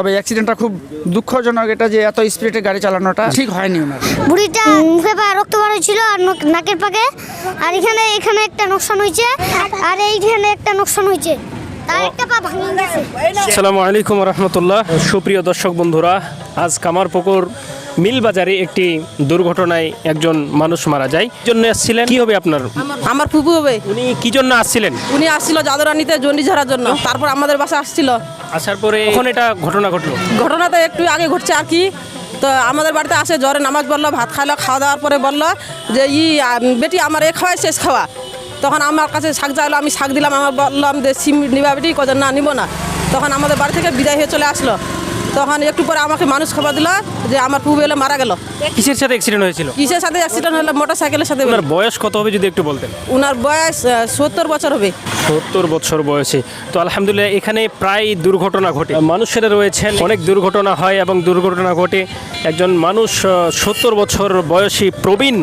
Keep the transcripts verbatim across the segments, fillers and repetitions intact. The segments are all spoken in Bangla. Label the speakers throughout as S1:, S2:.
S1: তবে অ্যাক্সিডেন্টটা খুব দুঃখজনক, এটা যে এত স্পিডে গাড়ি চালানোটা ঠিক হয়নি ওনার।
S2: বুড়িটা মুখে পা রক্ত বার হয়েছিল আর নাকের পাকে, আর এখানে এখানে একটা নোকসান হয়েছে আর এইখানে একটা নোকসান হয়েছে, তার একটা পা ভেঙে গেছে।
S3: আসসালামু আলাইকুম রহমতুল্লাহ। সুপ্রিয় দর্শক বন্ধুরা, আজ কামারপুকুর মিল বাজারে একটি দুর্ঘটনায় একজন মানুষ মারা যায়। কি জন্য আসছিলেন? কি হবে আপনার?
S4: আমার ফুপু হবে।
S3: উনি কি জন্য আসছিলেন?
S4: উনি আসছিল জাদুরানিতে জন্ডি ঝাড়ার জন্য, তারপর আমাদের বাসা আসছিল।
S3: আসার পরে কখন এটা ঘটনা ঘটলো?
S4: ঘটনাটা একটু আগে ঘটছে আর কি। তো আমাদের বাড়িতে আসে, জ্বরে নামাজ বললো, ভাত খাইলো, খাওয়া দাওয়ার পরে বললো যে ই বেটি আমার এ খাওয়াই শেষ খাওয়া। তখন আমার কাছে শাক চাইলো, আমি শাক দিলাম, আমার বললাম যে সিম নিবা বেটি, কজন না নিব না। তখন আমাদের বাড়ি থেকে বিদায় হয়ে চলে আসলো। তখন একটু পরে আমাকে মানুষ খবর দিল যে আমার ফুপু এলে মারা গেল।
S3: কিসের সাথে অ্যাক্সিডেন্ট হয়েছিল?
S4: কিসের সাথে অ্যাক্সিডেন্ট হলো? মোটর সাইকেলের সাথে।
S3: ওনার বয়স কত হবে যদি একটু বলতেন?
S4: ওনার বয়স সত্তর বছর হবে।
S3: সত্তর বছর বয়সে। তো আলহামদুলিল্লাহ, এখানে প্রায় দুর্ঘটনা ঘটে, মানুষেরা রয়েছেন, অনেক দুর্ঘটনা হয় এবং দুর্ঘটনা ঘটে। একজন মানুষ সত্তর বছর বয়সী প্রবীণ,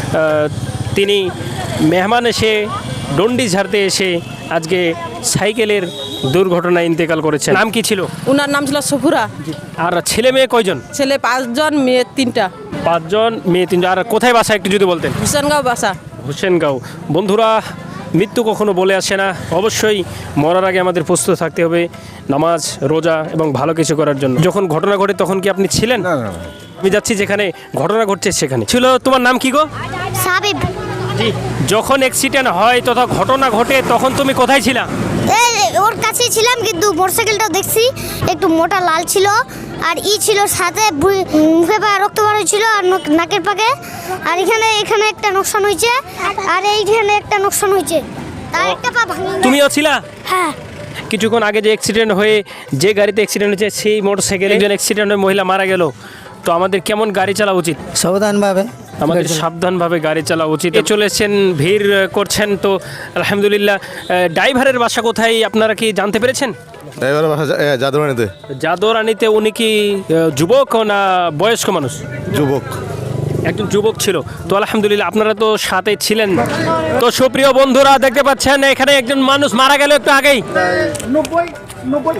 S3: তিনি মেহমান এসে ডন্ডি ঝাড়তে এসে আজকে সাইকেলের দুর্ঘটনায় ইন্তেকাল করেছেন। নাম কি ছিল?
S4: ওনার নাম ছিল সফুরা।
S3: আর ছেলে মেয়ে কয়জন?
S4: ছেলে পাঁচজন, মেয়ে তিনটা।
S3: পাঁচজন, মেয়ে তিনজন। আর কোথায় বাসা একটু যদি বলতেন?
S4: হুসেনগাঁও বাসা।
S3: হুসেনগাঁও। বন্ধুরা, মৃত্যু কখনো বলে আসে না, অবশ্যই মরার আগে আমাদের প্রস্তুত থাকতে হবে নামাজ, রোজা এবং ভালো কিছু করার জন্য। যখন ঘটনা ঘটে তখন কি আপনি ছিলেন?
S5: না না,
S3: আমি যাচ্ছি যেখানে ঘটনা ঘটছে সেখানে ছিল। তোমার নাম কি গো?
S2: সাবিব।
S3: জি। যখন অ্যাক্সিডেন্ট হয় তথা ঘটনা ঘটে তখন তুমি কোথায় ছিলা?
S2: এই ওর কাছেই ছিলাম, কিন্তু মোটরসাইকেলটা দেখছি একটু মোটা লাল ছিল আর ই ছিল সাথে, মুখে পা রক্ত বার হয়েছিল আর নাকের পাকে, আর এখানে এখানে একটা নোকসান হয়েছে আর এইখানে একটা নোকসান হয়েছে, তার একটা পা ভেঙে গেছে।
S3: তুমিও ছিলা?
S2: হ্যাঁ।
S3: কিছুক্ষণ আগে যে অ্যাক্সিডেন্ট হয়ে যে গাড়িতে অ্যাক্সিডেন্ট হয়েছে সেই মোটরসাইকেলে একজন অ্যাক্সিডেন্ট হয়ে মহিলা মারা গেল। তো আমাদের কেমন গাড়ি চালা উচিত?
S5: সাবধানভাবে
S3: আমাদের সাবধানভাবে গাড়ি চালা উচিত। চলেছেন, ভিড় করছেন, তো আলহামদুলিল্লাহ। ড্রাইভারের বাসা কোথায় আপনারা কি জানতে পেরেছেন?
S5: ড্রাইভারের বাসা জাদুরানিতে।
S3: জাদুরানিতে। উনি কি যুবক না বয়স্ক মানুষ?
S5: যুবক।
S3: একজন যুবক ছিল। তো আলহামদুলিল্লাহ, আপনারা তো সাথে ছিলেন। তো সুপ্রিয় বন্ধুরা, দেখতে পাচ্ছেন এখানে একজন মানুষ মারা গেল একটু আগেই।
S1: নব্বই নব্বই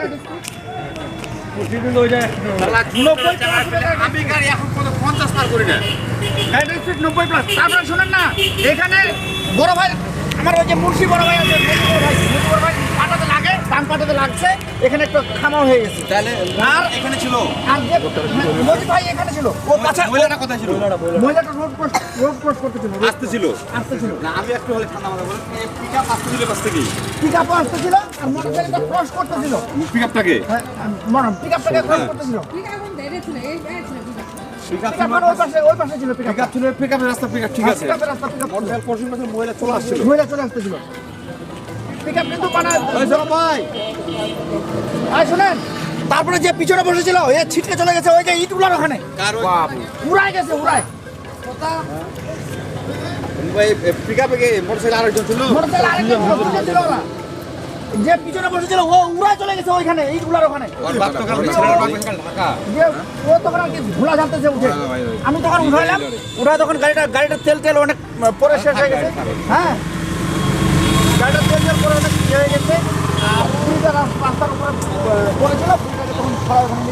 S1: প্লাস। তারপরে শোনেন না, এখানে বড় ভাই আমার ওই যে মুন্সি বড় ভাই আছে, বড় ভাই পাটাতে লাগে, ডান পাটাতে লাগছে, এখানে একটু খামার হয়ে গেছে। তাহলে আর এখানে ছিল, আর যে মজিদ ভাই এখানে ছিল, ও কাছে মহিলাটা কোথায় ছিল? মহিলাটা রোড ক্রস রোড ক্রস করতেছিল, আসতে ছিল আসতে ছিল না। আমি একটু হলে ঠান্ডা মাথা বলেন, পিকআপ আসতে ছিল, কাছ থেকে পিকআপ আসতে ছিল আর মোটরসাইকেলটা ক্রস করতেছিল। পিকআপটাকে হ্যাঁ, মনে পিকআপটাকে ক্রস করতেছিল। পিকআপ ধরে ছিল, এই এই ছিল পিকআপ। পিকআপ ওই পাশে ওই পাশে ছিল, পিকআপ ছিল, পিকআপের রাস্তা, পিকআপ ঠিক আছে, পিকআপের রাস্তা, পিকআপ মোটরসাইকেল পরশু মাসে মহিলা চলে আসছিল, মহিলা চলে আসতেছিল। পিকআপ কিন্তু বানা ওই সব ভাই আই শুনেন। তারপরে যে পিছনে বসেছিল এ ছিটকে চলে গেছে ওই যে ইটগুলোর ওখানে, বাপ উড়াই গেছে, উড়াই
S5: ভাই পিকআপে কে মোটরসাইকেল আরেকজন ছিল,
S1: মোটরসাইকেল আরেকজন ছিল না, যে পিছনে বসেছিল ও উড়াই চলে গেছে ওইখানে ইটগুলোর ওখানে।
S5: ওর বাপ তো কারণ ছেলের বাপ ঢাকা,
S1: যে ও তখন আর কি ধুলা ঝালতেছে উঠে, আমি তখন উঠাইলাম, উঠাই তখন গাড়িটা গাড়িটা তেল তেল অনেক পরে শেষ হয়ে গেছে। হ্যাঁ, গাড়িটা তেল তেল পরে অনেক শেষ হয়ে গেছে আর পুরীটা রাস্তার উপরে পড়েছিল, পুরীটাকে তখন খরা ওখানে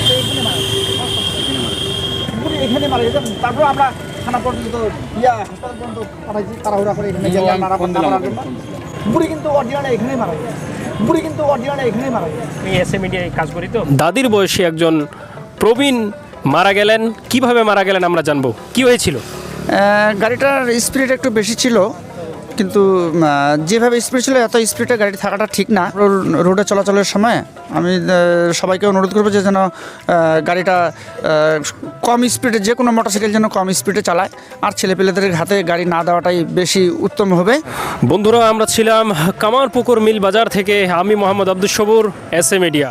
S1: পুরী এখানে মারা গেছে। তারপর আমরা থানা পর্যন্ত ইয়া হাসপাতাল পর্যন্ত পাঠাইছি, তাড়াহুড়া করে এখানে গেলাম নাড়ার জন্য। বুড়ি কিন্তু অরিজিনালে এখানেই মারা গেছে, বুড়ি কিন্তু অরিজিনালে এখানেই মারা গেছে।
S3: আমি এসএ মিডিয়ায় কাজ করি। তো দাদির বয়সী একজন প্রবীণ মারা গেলেন। কিভাবে মারা গেলেন আমরা জানবো। কি হয়েছিল? গাড়িটার স্পিড একটু বেশি ছিল, কিন্তু যেভাবে স্পিড ছিল এত স্পিডে গাড়ি থাকাটা ঠিক না। রোডে চলাচলের সময় আমি সবাইকে অনুরোধ করবো যে যেন গাড়িটা কম স্পিডে, যে কোনো মোটরসাইকেল যেন কম স্পিডে চালায় আর ছেলেপেলেদের হাতে গাড়ি না দেওয়াটাই বেশি উত্তম হবে। বন্ধুরা, আমরা ছিলাম কামারপুকুর মিল বাজার থেকে। আমি মোহাম্মদ আব্দুস সবুর, এসএ মিডিয়া।